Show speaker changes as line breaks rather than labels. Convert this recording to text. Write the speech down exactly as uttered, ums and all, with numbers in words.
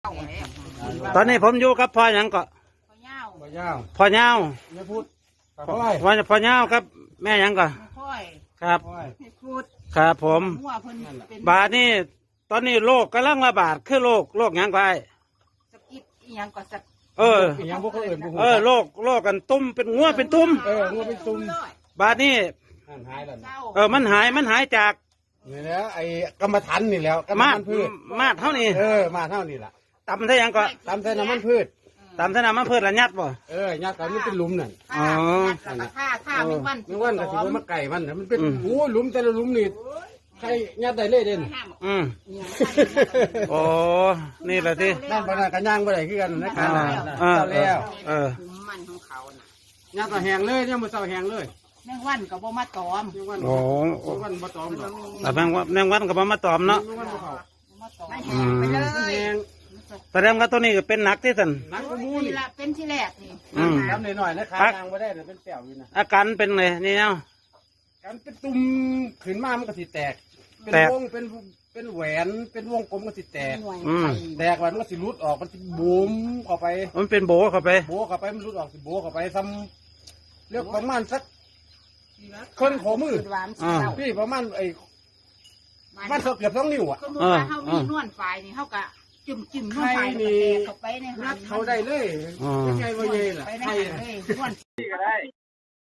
ตอนนี้ผมอยู่กับพ่อหยังก็
พ่อย่าว
บ่ยาว
พ่อเงา
ไม่พูดปาก
พ่อ
อ้อย
พ่อพ่อเงาครับแม่หยังก็
ค่อย
ครับ
อ้อย
ให้พูด
ครับผม
หัวเพิ่นเป็น
บาดนี้ตอนนี้โรคกำลังระบาดคือโรคโรคหยังก็ไอ้
สกิดอีหยังก็สัก
เออ
อีหยังพวกเขาเอื่นพวก
เออโรคโรคกันตุ้มเป็นงัวเป็นตุ้ม
เอองัวเป็นตุ่ม
บาดนี้
หันหายแล้ว
เศร้า
เออมันหายมันหายจาก
นี่แหล้วไอ้กรรมฐานนี่แล้วกรรม
มา
ฐา
ด
นพืช
มาดเท่านี้
เออมาเท่านี้ล่ะ
ตำเท่าหยังก็
ตามแต่น้ำมันพืช
ตำเท่าน้ำมันเพื่อระยัดบ่
เออญาติกันมันเป็นหลุมนั่น
ท่าแล้วก็ท่าท่าไม่วัน
ไม่ว่าก็สิบ่มาไก่มันน่ะมันเป็น
อืม
โอ้หลุมแต่ละหลุมนี่ใครญาติได้เลยเด่น
อืมโอ้นี่แหละที่
นั่นปานนั้นก็ย่างบ่ได้คือกันนะการ
อ่า
เจ้าแล้ว
เออ
คุมมันของเขาน่ะ
ญาติก็แห้งเลยเนี่ยมื้อเช้าแห้งเลย
แมงวันก็บ่มาตอม
ยังวัน
โอ้
ยังวันบ่ตอมดอก
แต่แมงวันแมงวันก็บ่มาตอมเนาะ
ยังวันบ่เข้า
บ่มาตอมแห้งไปเลย
แห้ง
แสดงว่าตัวนี้ก็เป็นหนักที่สุด
นักกว่าหมู
นี่
นี่
ละเป็นที่แรกนี่
อืม
ทำหน่อยๆนะขายางบ่ได้น่ะเป็นแป้วอยู่นะ
อาการเป็นไงนี่เนาะ
การเป็นตุ่มขึ้นมามันก็สิแตก เป็น
แตก
วงเป็นเป็นแหวนเป็นวงกลมก็สิแตก
หน่วย
อืม
ไข่
แตกแล้วมันก็สิรุดออกมันสิบูมเข้าไป
มันเป็นโบเข้าไป
โบเข้าไปมันรุดออกสิโบเข้าไปซ้ำเรียกประมาณสักคนขอมือ
หวานเศร้า
พี่ประมาณไอ้มันเกือบสองนิ้วอ่ะ
สมมุติว่าเฮามีนวลฝ่ายนี่เฮาก็จุ่มจิ้มนวลฝ่ายแล้วก็แตกเข้าไปใน
นัดเขาได้เลย
อ๋อ
ยังไงว่าเย่ล่ะ
ไปใน
ใคร
หัน
น่ะ
เลยนวล